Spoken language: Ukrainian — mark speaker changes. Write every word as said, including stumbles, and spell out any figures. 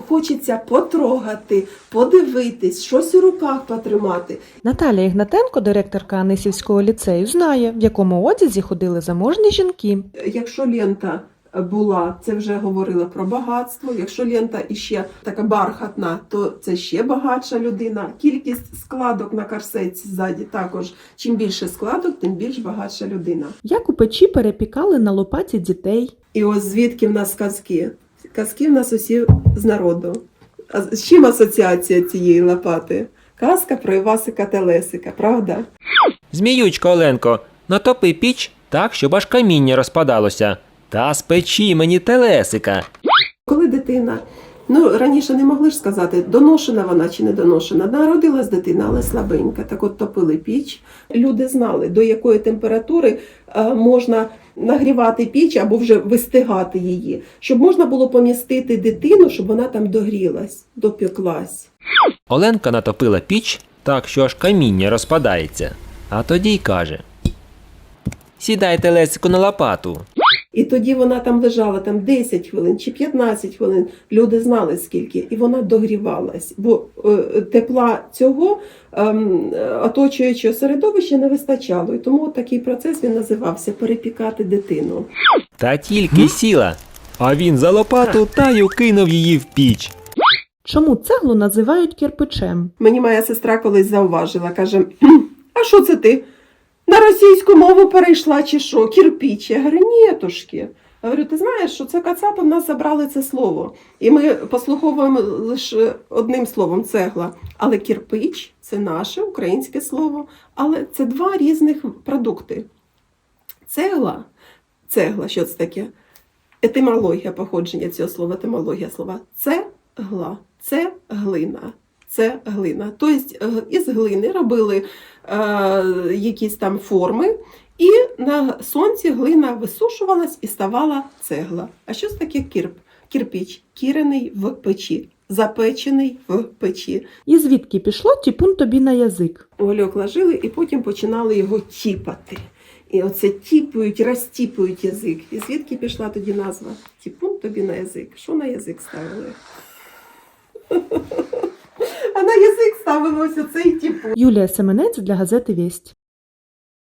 Speaker 1: хочеться потрогати, подивитись, щось у руках потримати.
Speaker 2: Наталія Ігнатенко, директорка Анисівського ліцею, знає, в якому одязі ходили заможні жінки.
Speaker 1: Якщо лента була, це вже говорила про багатство. Якщо лента іще така бархатна, то це ще багатша людина. Кількість складок на корсеті ззаді також. Чим більше складок, тим більш багатша людина.
Speaker 2: Як у печі перепікали на лопаті дітей.
Speaker 1: І ось звідки в нас казки? Казки в нас усі з народу. А з чим асоціація цієї лопати? Казка про Івасика та Лесика, правда?
Speaker 3: Зміючко, Оленко, натопи піч так, щоб аж каміння розпадалося. Та спечи мені телесика.
Speaker 1: Коли дитина, ну раніше не могли ж сказати, доношена вона чи не доношена. Народилась дитина, але слабенька. Так от топили піч. Люди знали, до якої температури е, можна нагрівати піч або вже вистигати її. Щоб можна було помістити дитину, щоб вона там догрілась, допеклась.
Speaker 3: Оленка натопила піч так, що аж каміння розпадається. А тоді й каже: сідай телесику на лопату.
Speaker 1: І тоді вона там лежала там десять хвилин чи п'ятнадцять хвилин. Люди знали скільки. І вона догрівалась. Бо е, тепла цього е, оточуючого середовища не вистачало. І тому такий процес він називався перепікати дитину.
Speaker 3: Та тільки сіла, а він за лопату та й укинув її в піч.
Speaker 2: Чому цеглу називають кирпичем?
Speaker 1: Мені моя сестра колись зауважила, каже: а що це ти? На російську мову перейшла чи що? Кірпіч. Я говорю, нєтушки. Я говорю, ти знаєш, що це кацапи в нас забрали це слово. І ми послуховуємо лише одним словом – цегла. Але кірпич – це наше українське слово. Але це два різних продукти. Цегла, цегла, що це таке? Етимологія походження цього слова, етимологія слова. Цегла, це глина. Це глина. Тобто із глини робили е, якісь там форми, і на сонці глина висушувалась і ставала цегла. А що це таке кірп? Кірпіч, кірений в печі, запечений в печі.
Speaker 2: І звідки пішло тіпун тобі на язик?
Speaker 1: Гольок ложили і потім починали його тіпати. І оце тіпують, розтіпують язик. І звідки пішла тоді назва? Тіпун тобі на язик. Що на язик ставили? А на язик ставилося цей тіпун.
Speaker 2: Юлія Семенець для газети «Вість».